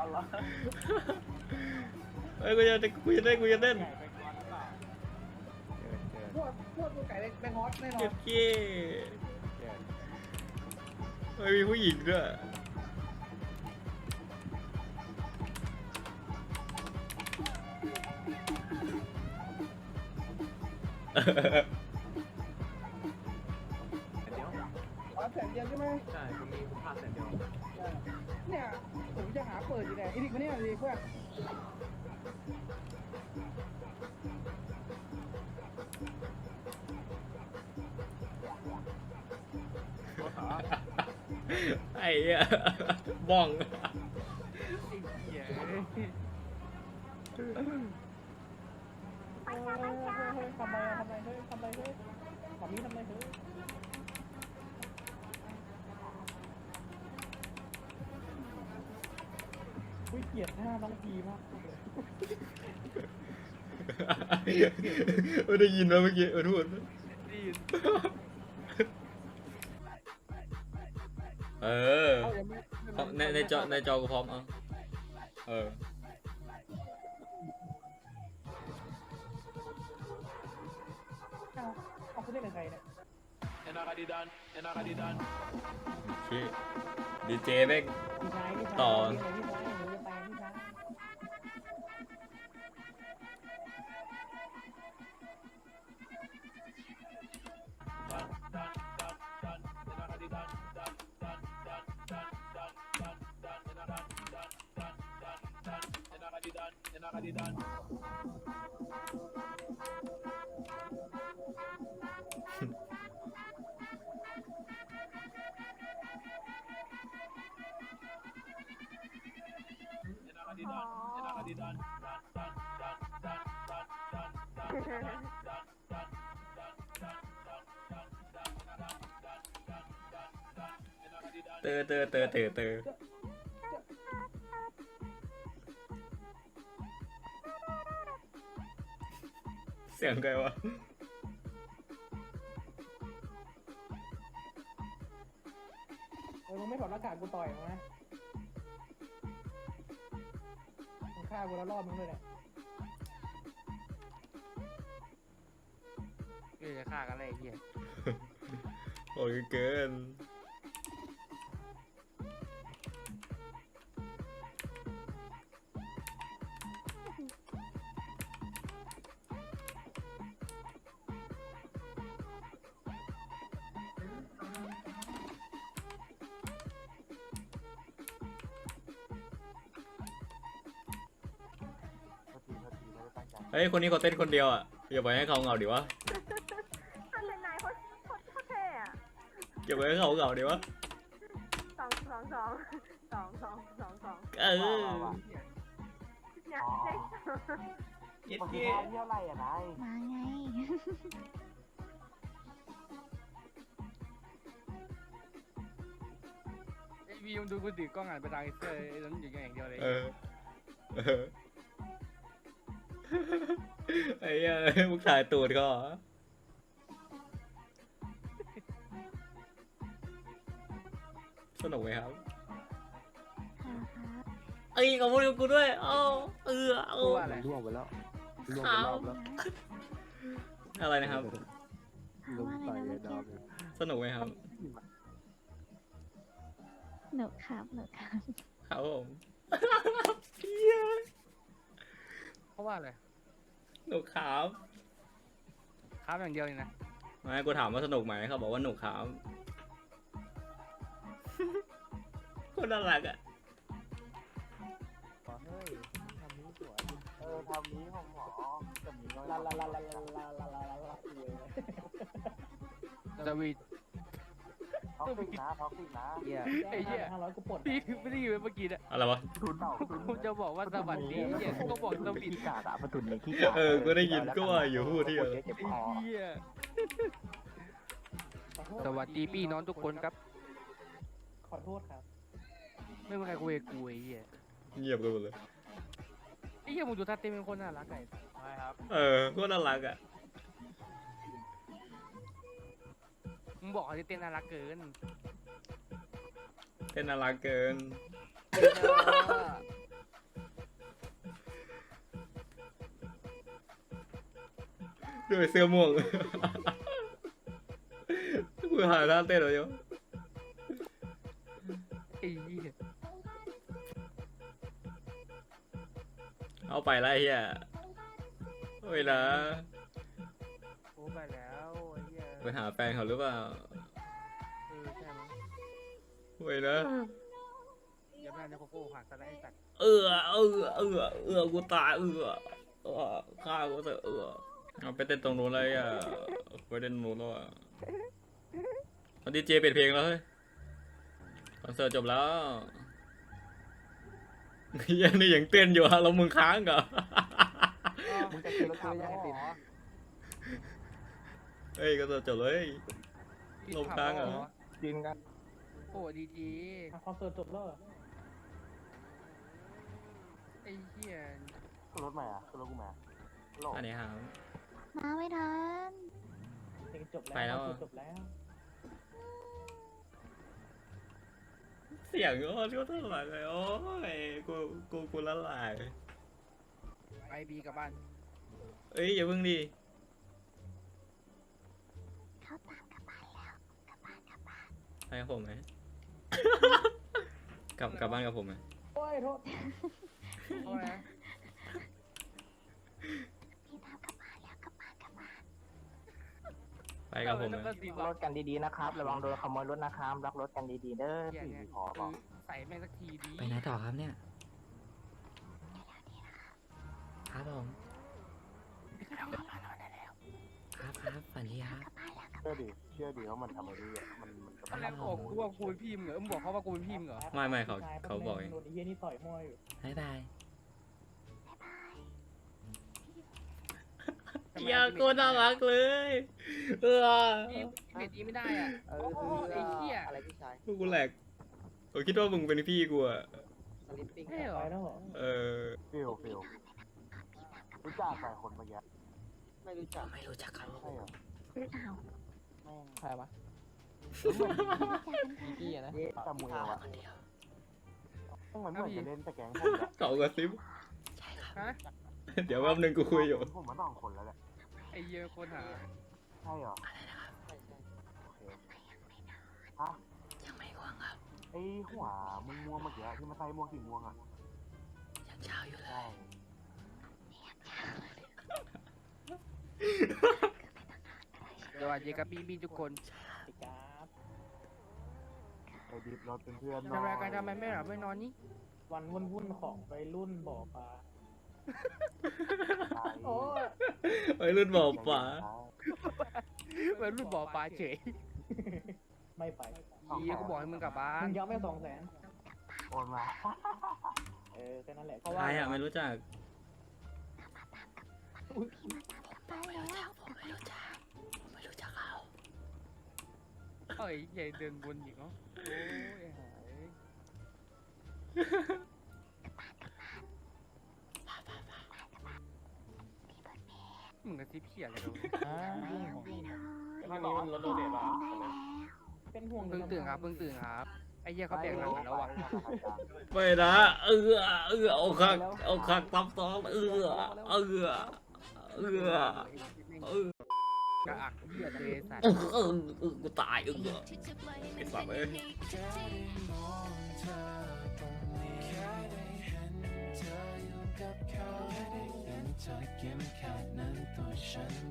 เอาละเฮ้ยกูจะเต้นไก่ไปก่อนหรือเปล่าพวกตัวไก่แบงฮอสแน่นอเจ็นบเก้เฮ้ยมีผู้หญิงด้วยแสนเดียวใช่ไหมใช่ผมมีคุณพลาดแสนเดียวเนี่ยผมจะหาเปิดอยู่ไหนอีดิกมาเนี่ยดิเพื่อนไอ้เหี้ยบ้องเย้ทำไมเฮ้ยทำไมเฮ้ยขอมีทำไมเฮ้ยอุ้ยเกลียดหน้าน้องพีมากไม่ได้ยินว่าเมื่อกี้พูดได้ยินเออในจอกูพร้อมเออเอาคุณเล่นกับใครเนี่ยเอ็นอาร์ดีดันเอ็นอาร์ดีดันพี่ดีเจแม่งพี่ชายพี่ชายต่อพี่ชายหนูจะไปพี่ชายเตอเสียงใครวะมึงไม่ถอดหน้ากากกูต่อยมึงนะมึงฆ่ากูแล้วรอบมึงเลยเนี่ยพี่จะฆ่ากันเลยไอ้เหี้ยโอ้ยเกินเฮ้ยคนนี้เขาเต้นคนเดียวอ่ะอย่าปล่อยให้เขาเหงาดิวะมันเป็นนายโคตรเท่อะอย่าปล่อยให้เขาเหงาดิวะสองเออเนี่ยเลขสองเย็ดเมื่อเก้กี้เที่ยวไรอ่ะนายมาไงไอ้วีมดูกูถือกล้องอ่านไปทางไอ้เสื้อไอ้นั้นอย่างเดียวเลยเออไอ้เหี้ยมึงถ่ายตูดเขาเหรอสนุกไหมครับค่ะครับเอ้ยขอบคุณกูด้วยเอ้าเอากูว่าอะไรล่วงไปแล้วล่วงเอาไปรอบแล้วอะไรนะครับถามลงว่าอะไรใส่นะเลเมื่ยอดากี้วเลยสนุกไหมครับหนูครับหนูครับครับผมเพราะว่าอะไรหนุกครับครับอย่างเดียวเลยนะไม่กูถามว่าสนุกไหมเขาบอกว่าหนุกครับคนน่ารักอ่ะเฮ้ยทำนี้สวยทำนี้ของหมอแต่มีน้อยลาลาลาลาลาดาวิดท็อกซิกนะเหี้ยไอ้เหี้ย500กูปลดพี่ไม่ได้ยินเมื่อกี้นะอะไรวะทุนเต่าทุนกูจะบอกว่าสวัสดีเหี้ยก็บอกดาวิดขี้กาดอะประทุนในขี้กาดเออกูได้ยินก็ว่าอยู่พูดที่เจ็บไอ้คอเหี้ยสวัสดีพี่น้องทุกคนครับขอโทษครับไม่มีใครคุยกับกูไอ้เหี้ยเงียบกันหมดเลยไอ้เหี้ยมึงดูท่าเต้นเป็นคนน่ารักไงใช่ครับเออก็น่ารักอ่ะมึงบอกเขาที่เต้นน่ารักเกินเป็นน่ารักเกินด้วยเสื้อม่วง กูหาท่าเต้นเหรอโยไอ้เหี้ยเอาไปแล้วไอ้เฮียเฮ้ยนะโอ้ไปแล้วไอ้เหี้ยไปหาแฟนเขาหรือเปล่าใช่มั้งเฮ้ยนะอย่าแม่งจะโคโค่หักซะแล้วไอ้สัตว์กูตายฆ่ากูเถอะเอาไปเต้นตรงนู้นเลยอ่ะไปเต้นตรงนู้นแล้วอ่ะตอนดีเจเปิดเพลงแล้วเฮ้ยคอนเสิร์ตจบแล้วยังนี่ยังเต้นอยู่ฮะแล้วมึงค้างเหรอมึงจะกินรถขับแล้วเหรอเฮ้ยคอนเสิร์ตจบเลย ลงค้างเหรอกินกันโอ้ดีจีคอนเสิร์ตจบแล้วไอ้เหี้ยขึ้นรถใหม่อ่ะขึ้นรถกูมาโหลอันนี้ครับมาไม่ทันเพลงจบแล้วไปแล้วจบแล้วเสียงก็เท่าไหร่เลยโอ้ยกูละลายไอบีกลับบ้านเอ้ยอย่าเพิ่งดิเขาตามกลับบ้านแล้วกลับบ้านกลับบ้านไปกับผมไหม กลับบ้านกับผมไหมโอ้ยโทษเพราะอะไรนะพี่ตามกลับบ้านแล้วกลับบ้านกลับบ้านไปกับผมไหมแล้วก็ตีบรอลถกันดีๆนะครับระวังโดนขโมยรถนะครับรักรถกันดีๆเด้อเหี้ยสี่เนี่ยขอบอกใส่แม่งสักทีดีไปไหนต่อครับเนี่ยครับผมครับฝันดีครับเชื่อดิว่ามันทำอะไรดีอ่ะมันจะตอนแรกบอกกูว่ากูเป็นพี่มึงเหรอมึงบอกเขาว่ากูเป็นพี่มึงเหรอไม่เขาบอกเองโดนไอ้เหี้ยนี่ต่อยมวยอยู่บ๊ายบายทำไมอย่ากูน่ารักเลยเออพี่เม็ดนี้ไม่ได้อ่ะโอ้โหไอ้เหี้ยอะไรพี่ชายกูแหลกกูคิดว่ามึงเป็นพี่กูอะสลิปปิ้งใช่เหรไปอแล้วเหรอเออฟิลรู้จักใครคนเมื่อกี้ไม่รู้จักไม่รู้จักเขาใช่เหรออ้าวใครวะพี่รู้จักกันพี่นะจำมือวะคนเดียวต้องเหมือนจะเล่นแต่แก๊งผมอะเขากระซิบฮะเดี๋ยวแป๊บนึงกูคุยอยู่ผมมา2 คนแล้วแหละไอ้เหี้ยคนหาใช่เหรอโอเคฮะยังไม่ว่างครับไอ้หัวม่วงเมื่อกี้ที่มันใส่หมวกสีม่วงอ่ะยังเช้าอยู่เลใช่ยสวัสดีครับพี่ทุกคนไอ้กราฟไปดิบรถเป็นเพื่อนหน่ทำอไมยกันทำไมไม่หลับไม่นอนนี่วันวุ่นๆของวัยรุ่นบ่อปลาไปโอ้ยไอ้รุ่นบอกป๋าเหมือนรุ่นบ่อปลาเฉยไม่ไปเหี้ยกูบอกให้มึงกลับบ้ามึนงย้อมไป200,000 โอนมาแค่นั้นแหละเพราะใคว่ารอะไม่รู้จักไปแล้วไม่รู้จักเขาเอ้ยใหญ่เดินวนอีกเนาะโอ้ยหายมึงกระซิบเขี่ยอะไรกันข้างนี้มันรถโดเดตมาเป็นห่วงเพิ่งตื่นครับเพิ่งตื่นครับไอ้เหี้ยเขาแบกหนังกันแล้วว่ะไม่นะเอาคักตับซ้อนกระอักเหี้ยเดสัตว์กูตายไอ้สัตว์เอ้ยเธอยิ้มแค่นั้นตัวฉัน